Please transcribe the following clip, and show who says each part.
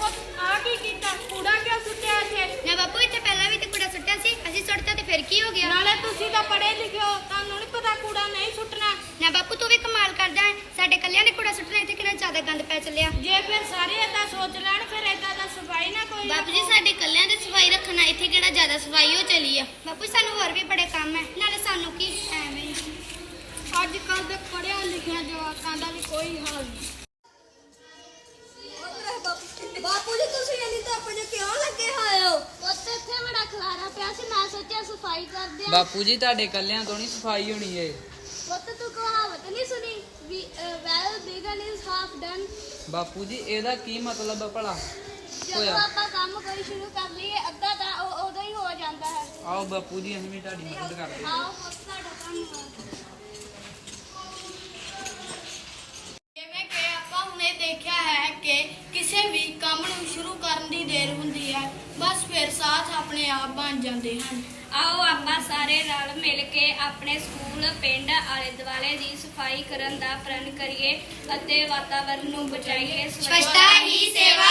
Speaker 1: ਆ ਕੀ ਕੀਤਾ? ਕੂੜਾ ਕਿਉਂ ਸੁੱਟਿਆ ਇੱਥੇ?
Speaker 2: ਨਾ ਬਾਪੂ ਇੱਥੇ ਪਹਿਲਾਂ ਵੀ ਤੇ ਕੂੜਾ ਸੁੱਟਿਆ ਸੀ, ਅਸੀਂ ਸੁੱਟਤਾ ਤੇ ਫਿਰ ਕੀ ਹੋ ਗਿਆ?
Speaker 1: ਨਾਲੇ ਤੁਸੀਂ ਤਾਂ ਪੜ੍ਹੇ ਲਿਖੇ ਹੋ, ਤੁਹਾਨੂੰ ਨਹੀਂ ਪਤਾ ਕੂੜਾ ਨਹੀਂ ਸੁੱਟਣਾ।
Speaker 2: ਨਾ ਬਾਪੂ ਤੂੰ ਵੀ ਕਮਾਲ ਕਰਦਾ ਹੈ, ਸਾਡੇ ਕੱਲਿਆਂ ਨੇ ਕੂੜਾ ਸੁੱਟਣਾ, ਇੱਥੇ ਕਿੰਨਾ ਜ਼ਿਆਦਾ ਗੰਦ ਪੈ ਚੱਲਿਆ।
Speaker 1: ਜੇ ਫਿਰ ਸਾਰੇ ਏਦਾਂ ਸੋਚ ਲੈਣ ਫਿਰ ਏਦਾਂ ਦਾ ਸਫਾਈ ਨਾ ਕੋਈ
Speaker 3: ਬਾਪੂ ਜੀ ਸਾਡੇ ਕੱਲਿਆਂ ਦੀ ਸਫਾਈ ਰੱਖਣਾ, ਇੱਥੇ ਕਿਹੜਾ ਜ਼ਿਆਦਾ ਸਫਾਈ ਹੋ ਚਲੀ ਆ।
Speaker 2: ਬਾਪੂ ਸਾਨੂੰ ਹੋਰ ਵੀ ਬੜੇ ਕੰਮ ਹੈ, ਨਾਲੇ ਸਾਨੂੰ ਕੀ ਐਵੇਂ ਹੀ।
Speaker 1: ਅੱਜ ਕੱਲ੍ਹ ਦੇ ਪੜ੍ਹਿਆ ਲਿਖਿਆ ਜਵਾਕਾਂ ਦਾ ਵੀ ਕੋਈ ਹਾਲ ਨਹੀਂ।
Speaker 4: ਬਾਪੂ ਜੀ ਤੁਸੀਂ ਇੰਨੀ ਧੁੱਪ 'ਚ ਕਿਉਂ ਲੱਗੇ ਹੋਏ ਹੋ?
Speaker 3: ਉੱਥੇ ਇੱਥੇ ਬੜਾ ਖਲਾਰਾ ਪਿਆ ਸੀ, ਮੈਂ ਸੋਚਿਆ ਸਫਾਈ ਕਰਦੇ ਆ।
Speaker 5: ਬਾਪੂ ਜੀ ਤੁਹਾਡੇ ਕੱਲਿਆਂ ਤੋਂ ਨਹੀਂ ਸਫਾਈ ਹੋਣੀ ਏ।
Speaker 3: ਪੁੱਤ ਤੂੰ ਕਹਾਵਤ ਨਹੀਂ ਸੁਣੀ well begun is half done.
Speaker 5: ਬਾਪੂ ਜੀ ਇਹਦਾ ਕੀ ਮਤਲਬ ਭਲਾ
Speaker 3: ਜਦੋਂ
Speaker 5: ਹੋਇਆ?
Speaker 3: ਆਪਾਂ ਕੰਮ ਕੋਈ ਸ਼ੁਰੂ ਕਰ ਲਈਏ ਅੱਧਾ ਤਾਂ ਉਦੋਂ ਹੀ ਹੋ ਜਾਂਦਾ ਹੈ।
Speaker 5: ਆਓ ਬਾਪੂ ਜੀ ਅਸੀਂ ਵੀ ਤੁਹਾਡੀ ਮਦਦ ਕਰਦੇ ਹਾਂ।
Speaker 3: ਆਓ ਪੁੱਤ ਤੁਹਾਡਾ ਧੰਨਵਾਦ।
Speaker 1: ਜਿਵੇਂ ਕਿ ਆਪਾਂ ਹੁਣੇ ਦੇਖਿਆ ਹੈ ਕਿ ਕਿਸੇ ਵੀ ਕੰਮ ਨੂੰ ਸ਼ੁਰੂ ਕਰਨ ਦੀ ਦੇਰ ਹੁੰਦੀ ਹੈ, ਬਸ ਫਿਰ ਸਾਥ ਆਪਣੇ ਆਪ ਬਣ ਜਾਂਦੇ ਹਨ।
Speaker 6: ਆਓ ਆਪਾਂ ਸਾਰੇ ਰਲ ਮਿਲ ਕੇ ਆਪਣੇ ਸਕੂਲ, ਪਿੰਡ, ਆਲੇ ਦੁਆਲੇ ਦੀ ਸਫਾਈ ਕਰਨ ਦਾ ਪ੍ਰਣ ਕਰੀਏ ਅਤੇ ਵਾਤਾਵਰਨ ਨੂੰ ਬਚਾਈਏ।
Speaker 2: ਸਵੱਛਤਾ ਹੀ ਸੇਵਾ।